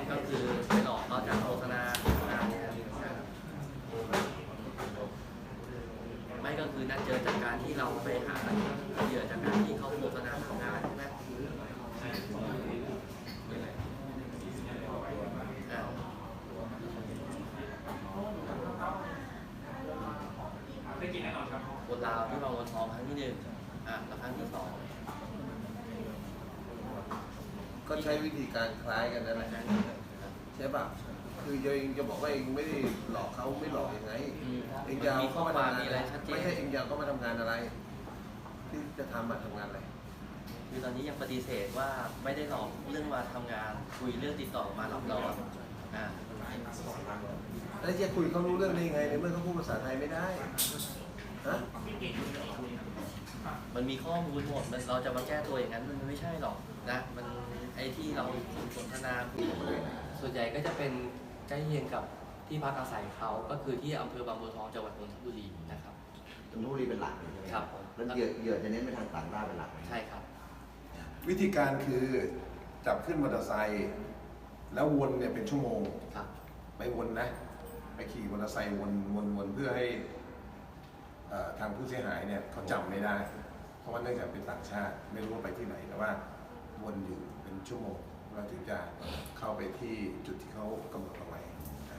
ก็คือไปหลอกเขาจากโฆษณาไม่ก็คือนัดเจอจากการที่เราไปหาเหยื่อจากการที่เขาโฆษณาทำงานใช่ไหมได้กินแน่นอนครับคนลาวที่มาวนทองครั้งที่1แล้วครั้งที่2 ก็ใช้วิธีการคล้ายกันนั่นแหละใช่ป่ะคือเองจะบอกว่าเองไม่ได้หลอกเขาไม่หลอกยังไงเองจะเอาเข้ามาทำงานไม่ใช่เองจะเข้ามาทำงานอะไรที่จะทำมาทำงานอะไรคือตอนนี้ยังปฏิเสธว่าไม่ได้หลอกเรื่องมาทำงานคุยเรื่องติดต่อมาหลอกเราแล้วจะคุยเขารู้เรื่องได้ยังไงในเมื่อเขาพูดภาษาไทยไม่ได้ฮะมันมีข้อมูลหมดเราจะมาแก้ตัวอย่างนั้นมันไม่ใช่หรอกนะมันไอ้ที่เราสนทนาส่วนใหญ่ก็จะเป็นใกล้เคียงกับที่พักอาศัยเขาก็คือที่อำเภอบางบัวทองจังหวัดนนทบุรีนะครับนนทบุรีเป็นหลักใช่ไหมครับแล้วเหยื่อจะเน้นไปทางต่างด้าวเป็นหลักใช่ครับวิธีการคือจับขึ้นมอเตอร์ไซค์แล้ววนเนี่ยเป็นชั่วโมงไปวนนะไปขี่มอเตอร์ไซค์วนเพื่อให้ทางผู้เสียหายเนี่ยเขาจำไม่ได้เพราะว่าเนื่องจากเป็นต่างชาติไม่รู้ว่าไปที่ไหนแต่ว่าวนอยู่เป็นชั่วโมงเราถึงจะเข้าไปที่จุดที่เขากำหนดเอาไว้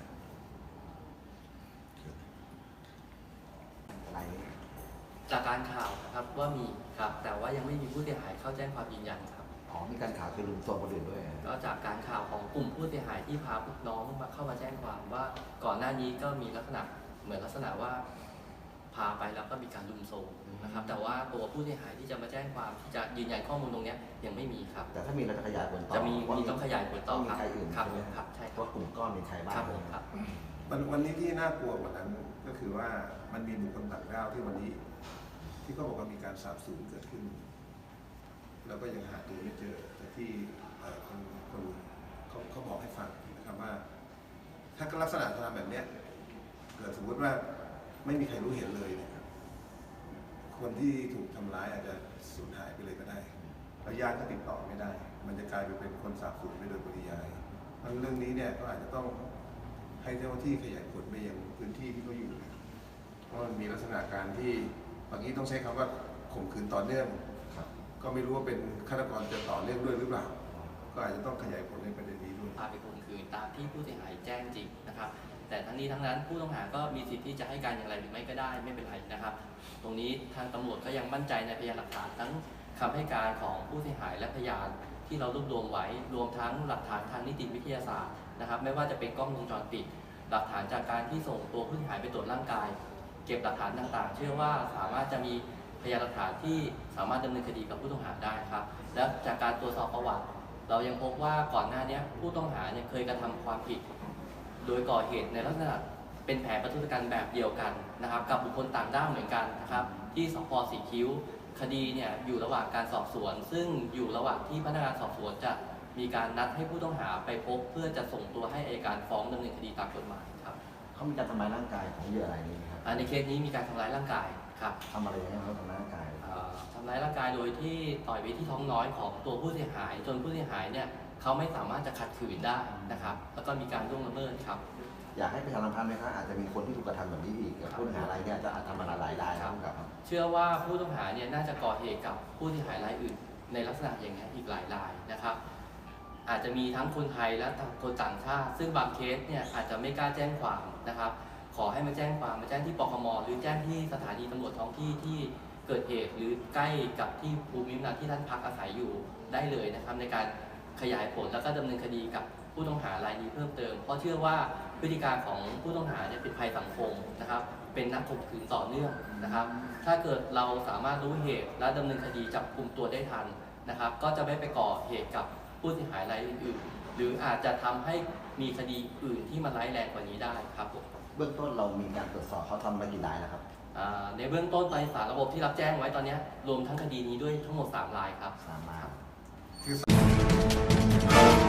จากการข่าวนะครับว่ามีครับแต่ว่ายังไม่มีผู้เสียหายเข้าแจ้งความยืนยันครับมีการข่าวคือลุมโทรมคนอื่นด้วยก็จากการข่าวของกลุ่มผู้เสียหายที่พาน้องมาเข้ามาแจ้งความว่าก่อนหน้านี้ก็มีลักษณะเหมือนลักษณะว่าพาไปแล้วก็มีการลุมโทรมนะครับแต่ว่าตัวผู้เสียหายที่จะมาแจ้งความที่จะยืนยันข้อมูลตรงนี้ยังไม่มีครับแต่ถ้ามีเราจะขยายผลต่อจะมีต้องขยายผลต่อครับมีใครอื่นครับใช่ครับว่ากลุ่มก้อนเป็นใครบ้างครับวันนี้ที่น่ากลัวกว่านั้นก็คือว่ามันมีบุคคลต่างด้าวที่วันนี้ที่เขาบอกว่ามีการสาบสูญเกิดขึ้นแล้วก็ยังหาตัวไม่เจอแต่ที่คนเขาบอกให้ฟังนะครับว่าถ้าลักษณะทำแบบนี้เกิดสมมติว่าไม่มีใครรู้เห็นเลยเนี่ยคนที่ถูกทำร้ายอาจจะสูญหายไปเลยก็ได้แล้วญาติก็ติดต่อไม่ได้มันจะกลายไปเป็นคนสาบสูญไปโดยปริยายมันเรื่องนี้เนี่ยก็อาจจะต้องให้เจ้าหน้าที่ขยายผลไปยังพื้นที่ที่เขาอยู่เพราะมันมีลักษณะการที่บางทีต้องใช้คำว่าข่มขืนต่อเนื่องก็ไม่รู้ว่าเป็นฆาตกรจะต่อเนื่องด้วยหรือเปล่าก็อาจจะต้องขยายผลในประเด็นนี้ด้วยพาไปข่มขืนตามที่ผู้เสียหายแจ้งจริงนะครับแต่ทั้งนี้ทั้งนั้นผู้ต้องหาก็มีสิทธิ์ที่จะให้การอย่างไรหรือไม่ก็ได้ไม่เป็นไรนะครับตรงนี้ทางตำรวจก็ยังมั่นใจในพยานหลักฐานทั้งคำให้การของผู้เสียหายและพยานที่เรารวบรวมไว้รวมทั้งหลักฐานทางนิติวิทยาศาสตร์นะครับไม่ว่าจะเป็นกล้องวงจรปิดหลักฐานจากการที่ส่งตัวผู้เสียหายไปตรวจร่างกายเก็บหลักฐานต่างๆเชื่อว่าสามารถจะมีพยานหลักฐานที่สามารถดำเนินคดีกับผู้ต้องหาได้ครับและจากการตรวจสอบประวัติเรายังพบว่าก่อนหน้านี้ผู้ต้องหาเนี่ยเคยกระทำความผิดโดยก่อเหตุในลักษณะเป็นแผนประทุษกันแบบเดียวกันนะครับกับบุคคลต่างด้าวเหมือนกันนะครับที่สพ.สีคิ้วคดีเนี่ยอยู่ระหว่างการสอบสวนซึ่งอยู่ระหว่างที่พนักงานสอบสวนจะมีการนัดให้ผู้ต้องหาไปพบเพื่อจะส่งตัวให้อัยการฟ้องดำเนินคดีตามกฎหมายครับเขามีการทำร้ายร่างกายของเหยื่ออะไรนี้ครับในเคสนี้มีการทำร้ายร่างกายครับทำอะไรอย่างนี้เขาทำร้ายร่างกายทำร้ายร่างกายโดยที่ต่อยไปที่ท้องน้อยของตัวผู้เสียหายจนผู้เสียหายเนี่ยเขาไม่สามารถจะขัดขืนได้นะครับแล้วก็มีการล่วงละเมิดครับอยากให้ประชาสัมพันธ์ไหมครับอาจจะมีคนที่ถูกกระทำแบบนี้อีกผู้ต้องหารายเนี่ยจะทำมาหลายรายครับเชื่อว่าผู้ต้องหาเนี่ยน่าจะก่อเหตุกับผู้เสียหายรายอื่นในลักษณะอย่างนี้อีกหลายรายนะครับอาจจะมีทั้งคนไทยและคนต่างชาติซึ่งบางเคสเนี่ยอาจจะไม่กล้าแจ้งความนะครับขอให้มาแจ้งความมาแจ้งที่ปคม.หรือแจ้งที่สถานีตำรวจท้องที่ที่เกิดเหตุหรือใกล้กับที่ภูมิลำเนาที่ท่านพักอาศัยอยู่ได้เลยนะครับในการขยายผลแล้วก็ดำเนินคดีกับผู้ต้องหารายนี้เพิ่มเติมเพราะเชื่อว่าพฤติการของผู้ต้องหาเนี่ยเป็นภัยสังคมนะครับเป็นนักข่มขืนต่อเนื่องนะครับถ้าเกิดเราสามารถรู้เหตุและดำเนินคดีจับกุมตัวได้ทันนะครับก็จะไม่ไปก่อเหตุกับผู้เสียหายรายอื่นๆหรืออาจจะทำให้มีคดีอื่นที่มันร้ายแรงกว่านี้ได้ครับเบื้องต้นเรามีการตรวจสอบเขาทำมากี่รายแล้วครับในเบื้องต้นในสารระบบที่รับแจ้งไว้ตอนนี้รวมทั้งคดีนี้ด้วยทั้งหมด3 รายครับ 3 ราย